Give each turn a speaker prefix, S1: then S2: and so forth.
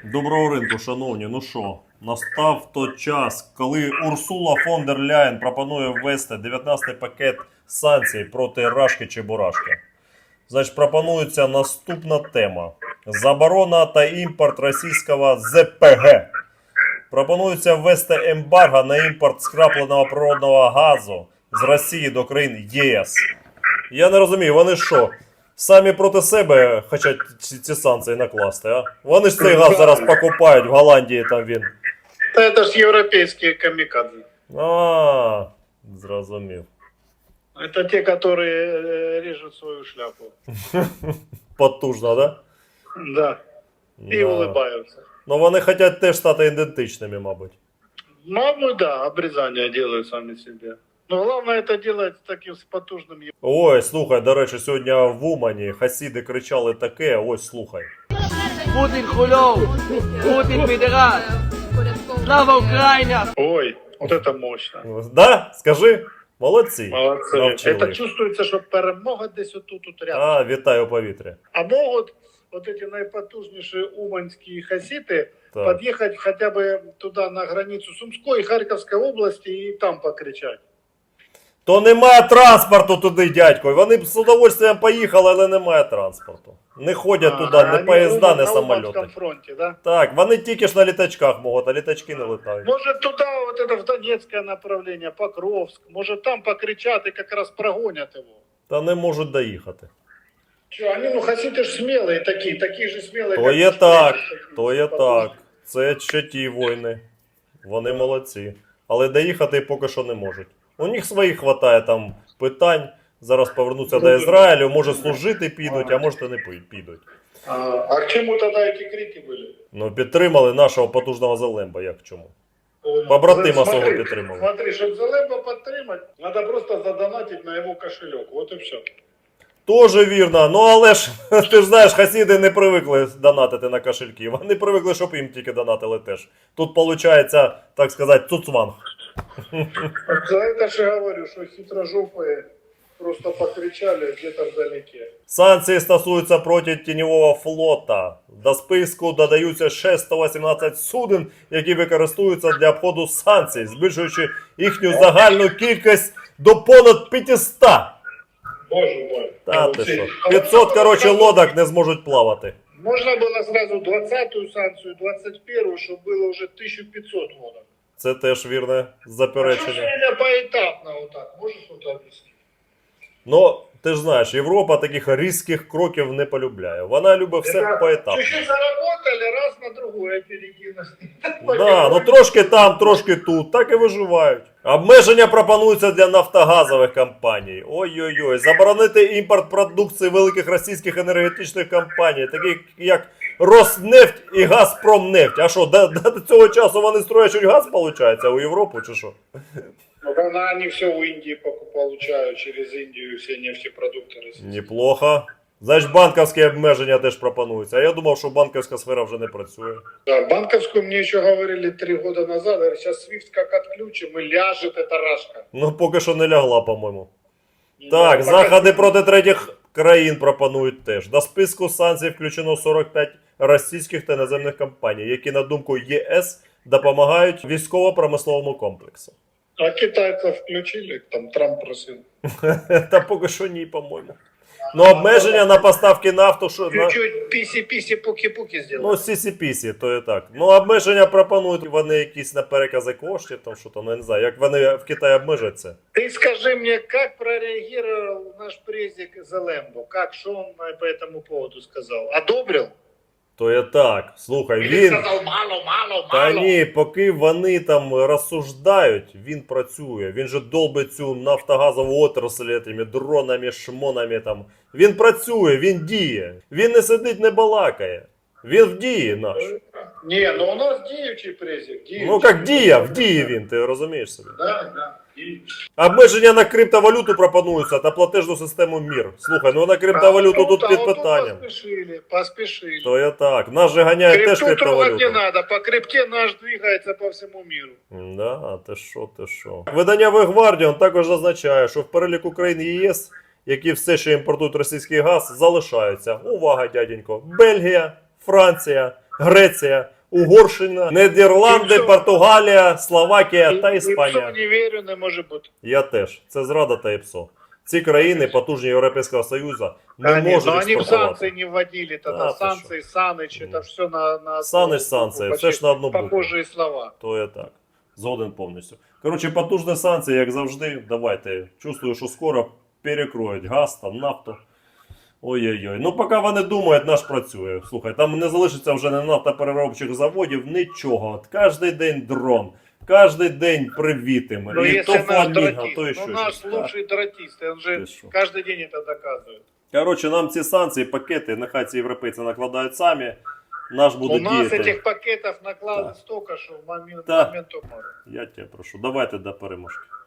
S1: Доброго ринку, шановні. Ну що, настав той час, коли Урсула фон дер Ляєн пропонує ввести 19-й пакет санкцій проти Рашки чи Бурашки. Значить, пропонується наступна тема. Заборона та імпорт російського ЗПГ. Пропонується ввести ембарго на імпорт скрапленого природного газу з Росії до країн ЄС. Я не розумію, вони що? Самі проти себе хочуть ці санкції накласти, а? Вони ж цей газ зараз покупають в Голландії, там він.
S2: Та це ж європейські камікадзе.
S1: А, зрозумів.
S2: Это те, которые режут свою шляпу.
S1: Потужно, да?
S2: Да. І
S1: Да.
S2: улыбаются.
S1: Ну вони хочуть теж стати ідентичними, мабуть.
S2: Мабуть, да, обрезание делают сами себе. Но главное это делать таким с потужным
S1: Ой, слухай, до речі, сьогодні в Умані хасіди кричали таке, ось слухай.
S3: Путін хульов! Путін підерас! Слава Україні!
S2: Ой, вот это мощно.
S1: Да? Скажи? Молодці.
S2: Молодцы.
S1: Навчили
S2: Это
S1: їх.
S2: чувствуется, что перемога десь отут рядом.
S1: А, вітаю у повітрі.
S2: А могут вот эти наипотужнейшие уманские хаситы
S1: Так.
S2: подъехать хотя бы туда на границу Сумской и Харьковской области и там покричать.
S1: То немає транспорту туди, дядько. Вони б з удовольствием поїхали, але немає транспорту. Не ходять туди, не
S2: они
S1: поїзда, не
S2: на
S1: самоліти.
S2: Уманском фронте, да?
S1: Так, вони тільки ж на літачках можуть, а літачки не летають.
S2: Может туда, вот это в Донецкое направление, Покровск, может там покричат и как раз прогонят его.
S1: Та не можуть доїхати.
S2: Че, они, ну, хаситы ж смелые такие же смелые.
S1: То
S2: как
S1: є
S2: мы,
S1: так,
S2: такие
S1: то є
S2: потужные.
S1: так. Це ще ті воїни. Вони молодці. Але доїхати поки що не можуть. У них своїх хватає там питань. Зараз повернуться до Ізраїлю, може служити підуть, а може і не підуть.
S2: А к чему тогда эти крики были?
S1: Ну, підтримали нашого потужного Зелемба, як чому?
S2: Ну,
S1: Побратима свого
S2: смотри,
S1: підтримали.
S2: Смотри, чтобы Залеба подтримать, надо просто задонатить на его кошелек. Вот и все.
S1: Тоже вірно. Ну але ж, ти ж знаєш, хасіди не привикли донатити на кошельки. Вони привикли, щоб їм тільки донатили теж. Тут виходить, так сказати, цуцванг.
S2: За это же говорю, что хитрожопые просто покричали где-то вдалеке.
S1: Санкції стосуються проти тіньового флота. До списку додаються ще 118 суден, які використовуються для обходу санкцій, збільшуючи їхню загальну кількість до понад 500.
S2: Боже мой.
S1: Та ти що? 500, коротше, лодок не зможуть плавати.
S2: Можно было сразу 20-ю санкцию, 21-ю, чтобы было уже 1500 лодок.
S1: Це теж вірне
S2: А что
S1: заперечення.
S2: сегодня поэтапно вот так? Можешь что-то объяснить?
S1: Ну, ти ж знаєш, Європа таких різких кроків не полюбляє. Вона любить все поетапно.
S2: Чуть-чуть заработали, раз на другое перекинули.
S1: Да, ну трошки там, трошки тут, так і виживають. Обмеження пропонуються для нафтогазових компаній. Ой-ой-ой, заборонити імпорт продукції великих російських енергетичних компаній, таких як Роснефть і Газпромнефть. А що, до цього часу вони строять газ, виходить, у Європу чи що?
S2: Ну, они все у Индии получают, через Индию все нефтепродукты российские.
S1: Неплохо. Значить, банківські обмеження теж пропонуються. А я думав, що банківська сфера вже не працює.
S2: Да, банковскую мне еще говорили 3 года назад, говорят, сейчас SWIFT как отключим и ляжет эта рашка.
S1: Ну, поки що не лягла, по-моєму.
S2: Ну,
S1: Так,
S2: пока-
S1: заходи проти третіх країн пропонують теж. До списку санкцій включено 45 російських та іноземних компаній, які, на думку ЄС, допомагають військово-промисловому комплексу.
S2: А китайцев включили, там Трамп просил.
S1: Та поки що ні, по-моєму. Ну, обмеження на поставки нафту, що...
S2: Чуть-чуть писи-писи, пуки-пуки сделали.
S1: Ну, сісі-пісі, то і так. Ну, обмеження пропонують вони якісь на перекази коштів, там що-то, ну, я не знаю, як вони в Китаї обмежать це.
S2: Ты скажи мне, как прореагировал наш президент Залембо? Как, что он по этому поводу сказал? Одобрил?
S1: То є так. Слухай,
S2: Или
S1: він...
S2: сказал мало, мало,
S1: Та
S2: мало?
S1: ні, поки вони там розсуждають, він працює. Він же долбить цю нафтогазову отрасль тими дронами, шмонами там. Він працює, він діє. Він не сидить, не балакає. Він в дії наш.
S2: Не, ну у нас діючий президент.
S1: Ну як діє, в дії він, ти розумієш собі.
S2: Да, да. діючий.
S1: Обмеження на криптовалюту пропонуються та платежну систему МІР. Слухай, ну на криптовалюту тут під питанням.
S2: Поспешили.
S1: То я так. Нас же ганяють теж
S2: Крипту трогать не
S1: криптовалюту.
S2: надо, по крипте наш двигается по всему миру.
S1: Да, ти що, ти що. Видання The Guardian також зазначає, що в переліку країн ЄС, які все ще імпортують російський газ, залишаються. Увага, дяденько. Бельгія, Франція, Греція, Угорщина, Нідерланди,
S2: Тимчо.
S1: Португалія, Словакія та
S2: І
S1: Іспанія.
S2: не вірю, не може бути.
S1: Я теж. Це зрада та ІПСО. Ці країни, потужні Європейського Союзу, не
S2: Конечно,
S1: можуть
S2: но они в
S1: експортувати.
S2: санкции не вводили тогда.
S1: А, ты
S2: Санкции, Саныч, это все на
S1: Саныч, санкції, це ж на одну букву.
S2: похожие слова.
S1: То я так. Згоден повністю. Коротше, потужні санкції, як завжди. Давайте. Чувствую, що скоро перекроють газ та нафту. Ой-ой-ой. Ну, поки вони думають, наш працює. Слухай, там не залишиться вже не нафтопереробчих заводів, нічого. От кожний день дрон, кожен день привітими.
S2: Но
S1: І то
S2: если наш
S1: фламінго,
S2: дратист,
S1: то ще
S2: ну наш
S1: щось.
S2: лучший дратист, он же
S1: Ты шо?
S2: каждый день это доказывает.
S1: Коротше, нам ці санкції, пакети, нехай ці європейці накладають самі. Наш буде
S2: У нас
S1: діяти.
S2: этих пакетов накладывают
S1: Да.
S2: столько, что в момент
S1: Да.
S2: моменту мора.
S1: Я тебе прошу, давайте до переможки.